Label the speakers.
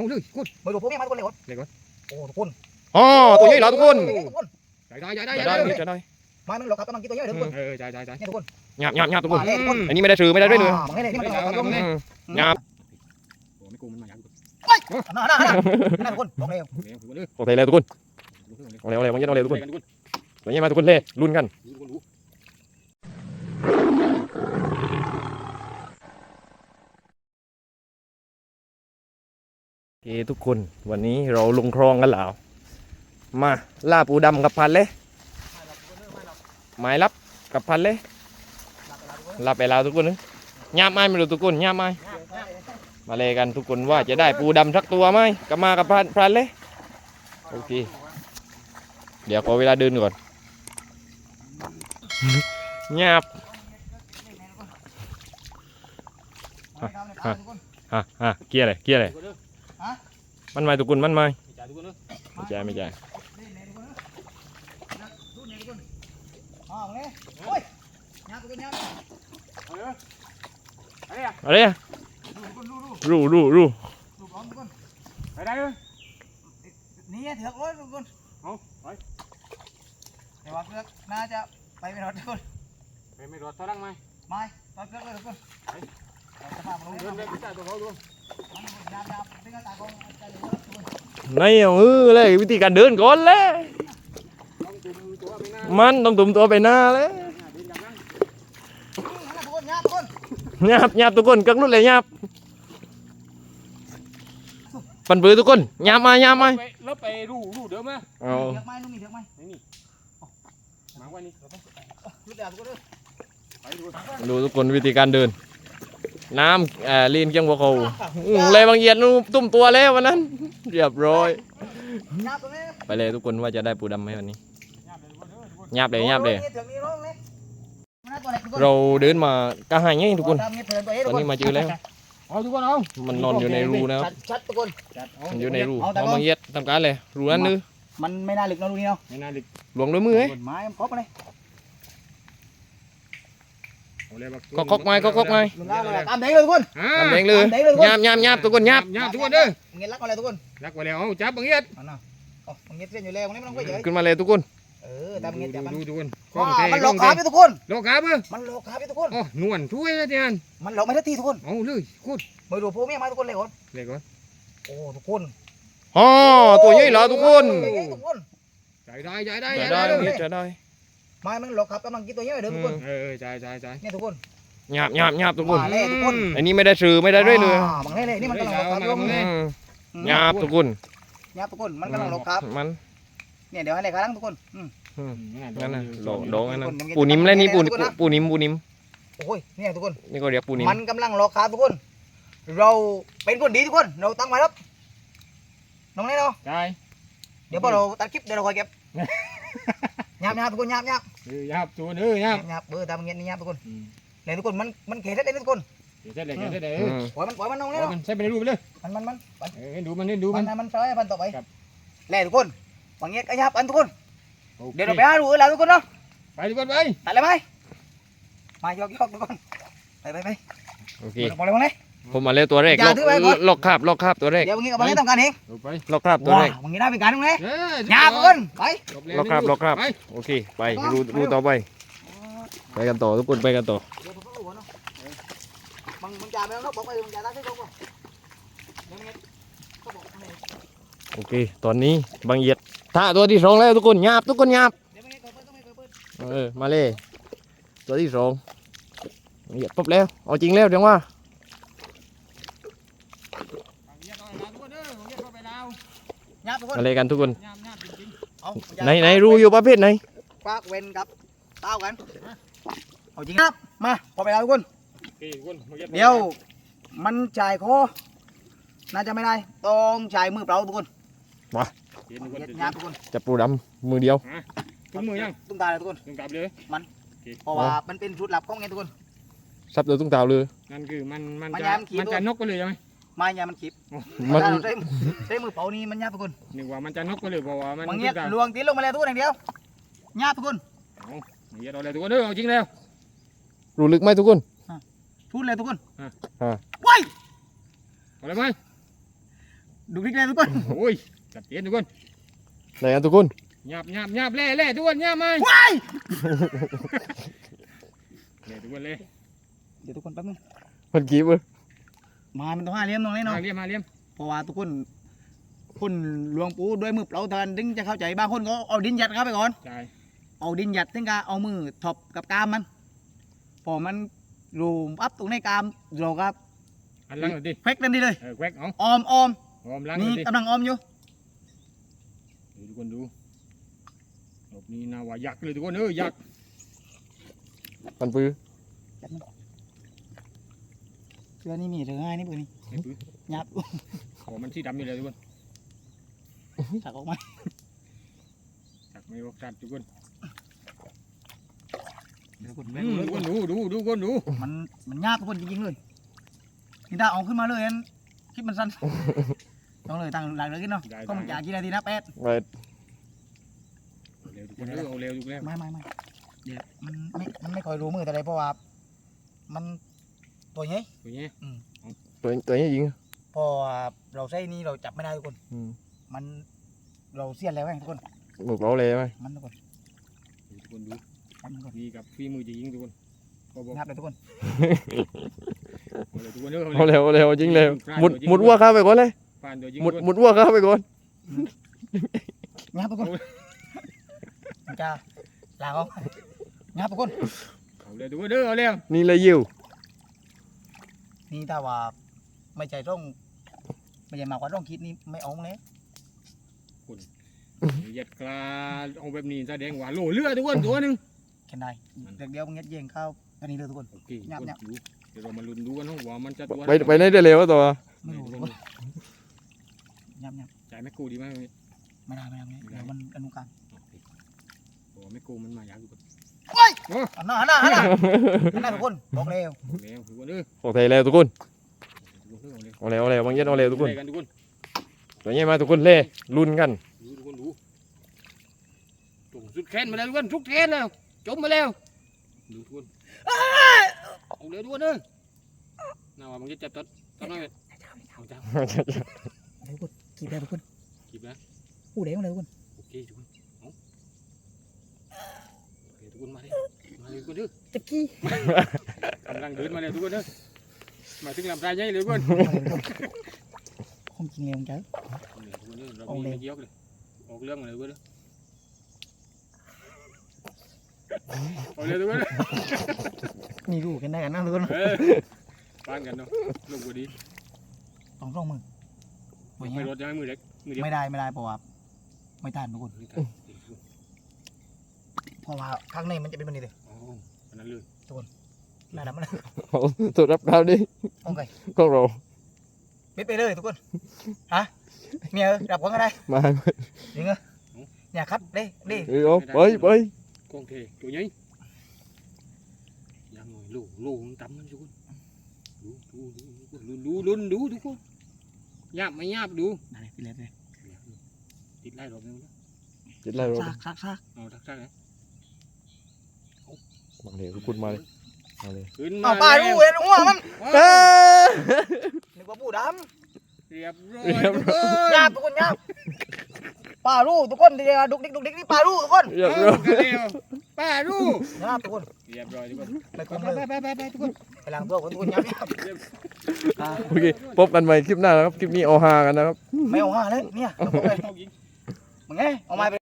Speaker 1: เลยคุณ
Speaker 2: มาดูพวกนี้มาทุกคนเลยโอ้ทุกคน
Speaker 3: อ๋อตัวใหญ่แล้วทุกคน
Speaker 1: ได้
Speaker 2: มามันหลอกครับกำลังกินตัวใหญ่เด้อทุกคนนี่ทุกคน
Speaker 3: หยาบทุกคนอันนี้ไม่ได้ถือไม่ได้ด้วยเลย
Speaker 2: นี่มันกำลังหลอกครับ
Speaker 3: หยาบ
Speaker 1: ไม่กูมันมาอย่างกู
Speaker 2: นั่นทุกคนบอกเลย
Speaker 3: โอเคเลยทุกคนเอาเร็วมันยัดเอาเร็วทุกคนตัวนี้มาทุกคนเล่ลุ้นกันโอเคทุกคนวันนี้เราลงคลองกันแล้วมาล่าปูดำกับพันเลยหมายรับกับพันเลยลาไปแล้วทุกคนนะหยาบไหมไม่รู้ทุกคนหยาบไหมมาเลยกันทุกคนว่าจะได้ปูดำสักตัวไหมกับมากับพันเลยโอเคเดี๋ยวขอเวลาเดินก่อนหยาบเกี้ยอะไรมันไม่ทุกคนมันไม่ใช่อะไรอ่ะรู้
Speaker 1: ไปได้เลย
Speaker 2: นี่เถือกเลยทุกคน
Speaker 1: ไป
Speaker 2: แต่ว่าเถือกน่าจะไปไม่รอดทุกคน
Speaker 1: ไม่รอดเท่าไหร่ไหม
Speaker 2: ไม่ตอนเถือกเลยทุกคน
Speaker 1: เดินได้พิจารณาตัวเขาดู
Speaker 3: นี่เลยวิธีการเดินก่อนเลยมันต้องตุ่มตัวไปหน้าเลยหยาบทุกคนกักรุ่นเลยหยาบปันปื้อทุกคนหยาบมา
Speaker 1: แล้วไปรูเดิมไหม
Speaker 2: เถือกไหมนุ่มมีเถือกไหม
Speaker 1: นี่มาวันนี้
Speaker 3: ดูทุกคนวิธีการเดินน้ำลีนเกียงหัวเขาเลยบางเอียดนู่ตุ้มตัวแล้ววันนั้นเรียบร้อยไปเลยทุกคนว่าจะได้ปูดำไหมวันนี้หยาบเลยเราเดินมากระหายไงทุกคนตอนนี้มาเจอแล้ว
Speaker 1: ทุกคนเอา
Speaker 3: มันนอนอยู่ในรูนะครับ
Speaker 2: ชัดทุกคน
Speaker 3: มันอยู่ในรูเอาบางเอียดทำการเลยรูนั้นนึ
Speaker 2: มันไม่น่าหลึกนะรูนี้เนาะ
Speaker 1: ไม่น่าหลึก
Speaker 3: หลวงด้วยมือ
Speaker 2: ไม้ครบเลย
Speaker 3: ก็คกไม้
Speaker 2: ตามเด้งเลยทุกคน
Speaker 3: ตามเด้งเลยหยาบทุกคนหยาบ
Speaker 1: ทุกคนเด้อ
Speaker 2: เงี้ยรักอะไรทุกคน
Speaker 1: รักไว้แล้วจับบางเงี้ย
Speaker 2: บางเงี้ยเส้นอยู่แล้วนี่ไม่ต้องไปเยอะ
Speaker 3: ขึ้นมาเลยทุกคน
Speaker 2: ตามเงี้ยจับมัน
Speaker 1: ทุกคน
Speaker 2: มันหลอกขาพี่ทุกคน
Speaker 1: หลอกขาเบ้อ
Speaker 2: มันหลอกขาพี่ทุกคน
Speaker 1: นวลช่วยนะเจน
Speaker 2: มันหลอกไม่ได้ทีทุกคน
Speaker 1: เอาเลยคุณ
Speaker 2: มาดูพวกนี้มาทุกคนเลยก่อนโอ้ทุกคน
Speaker 3: อ๋อตัวใหญ่แล้วทุกคน
Speaker 1: ใจได้
Speaker 2: ไม้มันหลอกครับกำลังกินตัวใหญ่เด้อทุกคน
Speaker 1: ใจ
Speaker 2: เนี่ยทุกคน
Speaker 3: หยาบทุกคน
Speaker 2: ทุกคน
Speaker 3: อันนี้ไม่ได้ซื้อไม่ได้ด้วยเลย
Speaker 2: บางเล่นี่มันกำลังหลอกครับ
Speaker 3: หยาบทุกคน
Speaker 2: มันกำลังหลอกครับ
Speaker 3: มัน
Speaker 2: เนี่ยเดี๋ยวให้เลยครับทุกคน
Speaker 3: นั่นน่ะโดงนั่นปูนิ่มเลยนี่ปูนิ่ม
Speaker 2: โอ้ยเนี่ยทุกคน
Speaker 3: นี่ก็เรียกปูนิ่ม
Speaker 2: มันกำลังหลอกครับทุกคนเราเป็นคนดีทุกคนเราตั้งไว้ครับน้องนี่เนาะเดี๋ยวพอเราตัดคลิปเดี๋ยวเราคอยเก็บหยาบทุกคนหยาบ
Speaker 1: ตัว
Speaker 2: หยาบตามเงี้ยนี่หยาบทุกคนเลยทุกคนมันเกล็ดเลยทุกคน
Speaker 1: เสร็จเลย
Speaker 2: ปล่อยมันน้องนี่เนาะ
Speaker 1: ใช้ไปในรูปเลย
Speaker 2: มัน
Speaker 1: ดูมัน
Speaker 2: ใช้มันต่อไปเลยทุกคนบางเงี้ยก็หยาบอันทุกคนเดี๋ยวเราไปหาดูแล้วทุกคนเนาะ
Speaker 1: ไปทุกคนไป
Speaker 2: ตัดเลยไหมมายกทุกคนไป
Speaker 3: โอเค
Speaker 2: บอกเลยว่าไง
Speaker 3: ผมมาเล่ตัวแรกล็อกคาบตัวแรก
Speaker 2: เดี๋ยวบางเงี้ยกับบางเงี้ยทำการเอง
Speaker 3: ล็อกคาบตัวแรก
Speaker 2: บางเงี้ยได้เป็นการตรงนี้หยาบทุกคนไป
Speaker 3: ล็อกคาบโอเคไปรูต่อไปกันต่อทุกคนไปกันต่อโอเคตอนนี้บางเอียดท่าตัวที่สองแล้วทุกคนหยาบมาเลยตัวที่สองเหยียบปุ๊บแล้วเอาจริงแล้วจังว่าอะไรกันทุกคนไหนรู้อยู่ประเภทไหน
Speaker 2: ควักเว้นกับเต้ากันเอาจริงครับมาพอไปแล้วทุกคนเดี๋ยวมันจ่ายคอน่าจะไม่ได้ต้องจ่ายมือเปล่าทุกคน
Speaker 3: มา
Speaker 2: ทุกคน
Speaker 3: จับปูดำมือเดียว
Speaker 1: ตุ้มมือยัง
Speaker 2: ตุ้มตาเลยทุกคน
Speaker 1: ตุ้มตาเลย
Speaker 2: มันเพราะว่ามันเป็นชุดหลับของไงทุกคน
Speaker 3: ซับเลยตุ้มตาเลย
Speaker 1: นั่นคือมันจะนกก็เลยใช่ไหม
Speaker 2: ไม่ยามันขีบใช้มือเป่านี่มันยากทุกคน
Speaker 1: นึกว่ามันจะนกก็เลยเพราะว่ามัน
Speaker 2: เงี้ยลวงตีลงมาแล้วทุกคนอย่างเดียวยากทุกคน
Speaker 1: เงี้ยเราเลยทุกคนเด้อจริงแล้ว
Speaker 3: รู้ลึกไหมทุกคน
Speaker 2: พูดเลยทุกคน
Speaker 1: ว้ายอะไรไหม
Speaker 2: ดุกดิกเลยทุกคน
Speaker 1: โอ้ยจัดเจนทุกคน
Speaker 3: ไหนกันทุกคน
Speaker 1: หยาบเล่ทุกคนหยาบไหม
Speaker 2: ว้าย
Speaker 1: เล่ทุกคนเลย
Speaker 2: เดี๋ยวทุกคนแป๊บนึง
Speaker 3: มันกี่เว้ย
Speaker 2: มันต้อง5 เหลี่ยมตรงนี้เนาะ
Speaker 1: มาเลี้ยม
Speaker 2: เพราะว่าทุกคนคนหลวงปู่ด้วยมือเปล่าเท่านั้นถึงจะเข้าใจบางคนก็เอาดินยัดเข้าไปก่อน
Speaker 1: ใช่
Speaker 2: เอาดินยัดถึงก็เอามือถบกับกามมันพอมันรูมอัพตรงในกามเราก็
Speaker 1: อันหลังหน่อยดิ
Speaker 2: เฟกนั่นดีเลย
Speaker 1: แควกเอา
Speaker 2: ออม
Speaker 1: หอมหลังหน่
Speaker 2: นี่
Speaker 1: อยดิ
Speaker 2: กำลังออมอยู่
Speaker 1: ทุกคนดูรอบนี้น่าว่ายักษ์เลยทุกคนยักษ์
Speaker 3: มันปื้อ
Speaker 2: เสื้อนี่มีเธอง่ายนี่เพื่อนนี่
Speaker 1: ไอ้ปื้อ
Speaker 2: ยับ
Speaker 1: ขอมันที่ดำอยู่เลยทุกคน
Speaker 2: ถักออกมา
Speaker 1: จักไม่บอกจัดทุกคน
Speaker 2: ทุกคน
Speaker 1: ทุกคนดูทุกคนดู
Speaker 2: มันยากทุกคนจริงๆเลยนี่ถ้าเอาขึ้นมาเลยนั้นคลิปมันสั้นต้องเลยตั้งหลังเลยกินเนาะก็มันจากกี่นาทีนะ8
Speaker 3: ไป
Speaker 1: เร็วทุกคนเอาเร็วทุกแล้ว
Speaker 2: ไม่เดี๋ยวมันไม่ค่อยรู้มือแต่ไรเพราะว่ามันตัวใหญ่
Speaker 1: ตัวนี้
Speaker 3: ตัวนี้ยิง
Speaker 2: พอเราใช้นี่เราจับไม่ได้ทุกคน มันเราเสียนแล้วไงทุกคน
Speaker 3: หมึกเราเลยไหม
Speaker 2: มันทุกคน
Speaker 1: ทุกคนดู
Speaker 2: มันทุกคน
Speaker 1: นี่กับฝีมือจะยิงทุกคนก็บอก
Speaker 2: งับเลยทุกคน
Speaker 1: เอาเลยทุกคน
Speaker 3: เอาเร็วจริงเร็วหมุดวัวข้าไปก่อนเลย
Speaker 1: ผ่านตัวยิง
Speaker 3: หมุดวัวข้าไปก่อน
Speaker 2: งับทุกคนมันจะลากออกงับทุกคน
Speaker 1: เอาเลยทุกคนเอาเร็ว
Speaker 3: นี่เลยยิว
Speaker 2: นี่ถ้าว่าไม่ใช่ร่องไม่ใช่มากกว่าร่องคิดนี่ไม่เอาเลย
Speaker 1: เหยียดกลาเอาแบบนี้แสดงว่าโหลเลือดทุกคนตัวหนึ่ง
Speaker 2: แค่ได้เดี๋ยวมึงยัดเยียงเข้าอันนี้เลยทุกคน
Speaker 1: โอเคเดี๋ยวเรามาลุ้นดูกันว่ามันจะตัว
Speaker 3: ไปไหนได้เร็วตัว
Speaker 2: ไม่รู้ทุกคนยับ
Speaker 1: จ่ายแม่กูดีไหม
Speaker 2: ไม่ได้เดี๋ยวมันอนุการ
Speaker 1: โอ้แม่กูมันมายากทุกคน
Speaker 2: หันหน้าทุกคนบอกเร็ว
Speaker 1: เร็วทุกคน
Speaker 3: โอเคเร็วทุกคน
Speaker 1: เอาเร็ว
Speaker 3: เอาเร็วบางยัดเอาเร็วทุกคน
Speaker 1: กันทุกคน
Speaker 3: ตัวนี้มาทุกคนเล่ลุ้นกัน
Speaker 1: ดูทุกคนดูตุ่มสุดแขนมาแล้วทุกคนทุกแขนแล้วจมมาแล้วดูทุกคนเอาเร็วทุกคนน่าว่ามันจะจับต้นน้อยเอาจ้า
Speaker 2: ทุกคนกีบได้ทุกคน
Speaker 1: กีบนะ
Speaker 2: อู้เดี๋ยวเลยทุกคน
Speaker 1: โอเคทุกคนเอาโอเคทุกคนมาเลยทุกคน
Speaker 2: จะกี้
Speaker 1: กำลังเดินมาเลยทุกคนมาถึงลำไส้ใหญ่เลยทุกคน
Speaker 2: คงจริงเลยมึงเจ้า
Speaker 1: เรามีไม่เยอะเลยออกเรื่องมาเลยทุกคนเอาเลยทุกคน
Speaker 2: นี่รู้กันได้กันนะทุกคน
Speaker 1: บ้านกันเนาะลูกกูดี
Speaker 2: ต้องร่องมือ
Speaker 1: ไม่รถยังมือเล็กมือเดียว
Speaker 2: ไม่ได้เพราะว่าไม่ทันทุกคนเพราะว่าข้างในมันจะเป็นแบบนี้เลย
Speaker 1: อ๋ออันนั้นเลย
Speaker 2: น่าดำมัน
Speaker 3: ตรวจรับข่าวดิ
Speaker 2: โอเค
Speaker 3: ของเรา
Speaker 2: ปิดไปเลยทุกคนฮะเมียดับก่อนก็ได้
Speaker 3: มา
Speaker 2: จริงเหรอเนี่ยคัดดิ
Speaker 3: ไป
Speaker 1: กองเทตัวใหญ่ยังไงลูกตั้มมันทุกคนดูทุกคนหยาบไม่หยาบดู
Speaker 2: ได้ไปเลย
Speaker 1: ติดไล่รอบนึง
Speaker 3: จิตไรเรา
Speaker 2: ซาก
Speaker 1: เอาทักเลย
Speaker 3: บางเดี๋ยวทุกคนมาเลยมาเลย
Speaker 1: ขึ้นมา
Speaker 2: เอาปลาดูเห็นหัวมันนึกว่าปูด
Speaker 1: เรียบร้อย
Speaker 2: ำยาบทุกคนยาบปลาดูทุกคนเดี๋ยวดุกดิกนี่ปลาดูทุกคน
Speaker 3: เรียบ
Speaker 1: เอ
Speaker 3: ร้
Speaker 1: อ
Speaker 3: อย
Speaker 1: กันแล้วป้าดู
Speaker 2: ยาบทุกคน
Speaker 1: เรียบร้อยทุกคน
Speaker 2: ไปคุมเลย
Speaker 1: ไปทุกคน
Speaker 2: ไปล้างตัวคนทุกคนยาบ
Speaker 3: โอเคพบกันใหม่คลิปหน้านะครับคลิปนี้เอาฮากันนะครับ
Speaker 2: ไม่เอาห้าเลยเนี่ยมึงไงเอาไม้ไป